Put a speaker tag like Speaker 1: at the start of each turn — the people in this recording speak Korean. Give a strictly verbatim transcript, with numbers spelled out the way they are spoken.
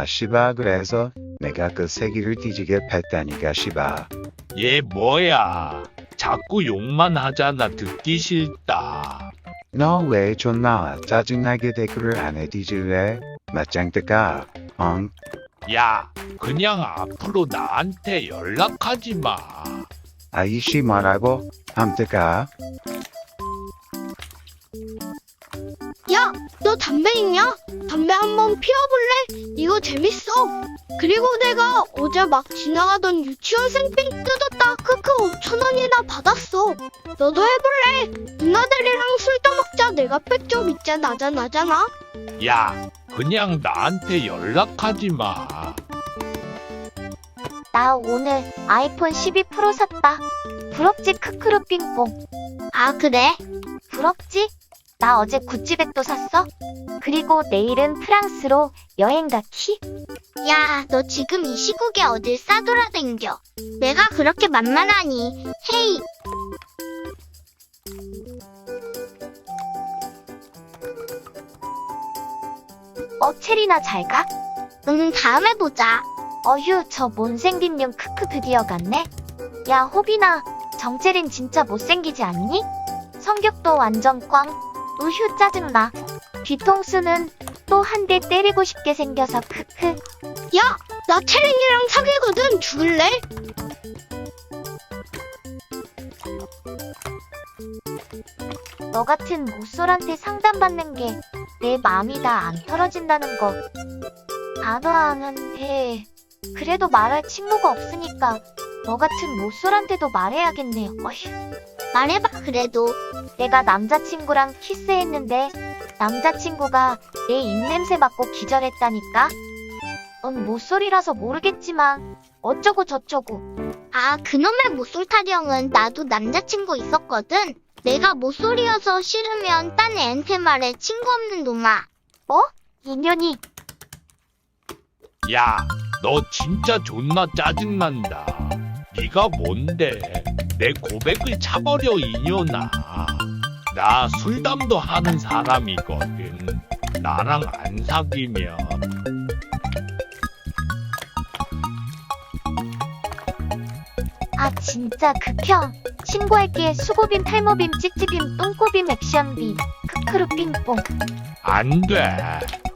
Speaker 1: 아, 씨바, 그래서 내가 그 새끼를 뒤지게 팼다니까, 씨바.
Speaker 2: 얘 뭐야? 자꾸 욕만 하잖아. 듣기 싫다.
Speaker 1: 너 왜 존나 짜증나게 댓글을 안 해 뒤질래? 맞짱 뜨까? 엉?
Speaker 2: 야, 그냥 앞으로 나한테 연락하지 마.
Speaker 1: 아이씨 뭐라고? 함 뜨까?
Speaker 3: 야, 너 담배 있냐? 담배 한번 피워볼래? 이거 재밌어. 그리고 내가 어제 막 지나가던 유치원생 삥 뜯었다 크크 오천 원이나 받았어. 너도 해볼래? 누나들이랑 술 떠먹자. 내가 백 점 있잖아 나잖아 나잖아.
Speaker 2: 야, 그냥 나한테 연락하지 마.
Speaker 4: 나 오늘 아이폰 십이 프로 샀다. 부럽지 크크루 삥뽕.
Speaker 3: 아 그래?
Speaker 4: 부럽지? 나 어제 구찌백도 샀어. 그리고 내일은 프랑스로 여행 가기.
Speaker 3: 야, 너 지금 이 시국에 어딜 싸돌아댕겨. 내가 그렇게 만만하니. 헤이.
Speaker 4: 어 체리나 잘 가?
Speaker 3: 응, 다음에 보자.
Speaker 4: 어휴 저 못생긴 년 크크 드디어 갔네. 야 호빈아 정체린 진짜 못생기지 않니? 성격도 완전 꽝. 우휴 짜증나. 뒤통수는 또 한 대 때리고 싶게 생겨서 크크.
Speaker 3: 야, 나 채린이랑 사귀거든. 죽을래?
Speaker 4: 너 같은 모쏠한테 상담받는 게 내 마음이 다 안 털어진다는 거 안 와하는데 그래도 말할 친구가 없으니까 너 같은 모쏠한테도 말해야겠네. 어휴.
Speaker 3: 말해봐, 그래도.
Speaker 4: 내가 남자친구랑 키스했는데 남자친구가 내 입냄새 맡고 기절했다니까. 넌 모쏠이라서 모르겠지만 어쩌고 저쩌고.
Speaker 3: 아, 그놈의 모쏠 타령은 나도 남자친구 있었거든. 내가 모쏠이어서 싫으면 딴 애한테 말해. 친구 없는 놈아.
Speaker 4: 뭐? 인연이.
Speaker 2: 야, 너 진짜 존나 짜증난다. 네가 뭔데? 내 고백을 차버려 이년아. 나 술담도 하는 사람이거든. 나랑 안 사귀면
Speaker 4: 아 진짜 극혐. 신고할게. 수고빔 탈모빔 찌찌빔 똥꼬빔 액션빔 크크루 삥뽕.
Speaker 2: 안 돼.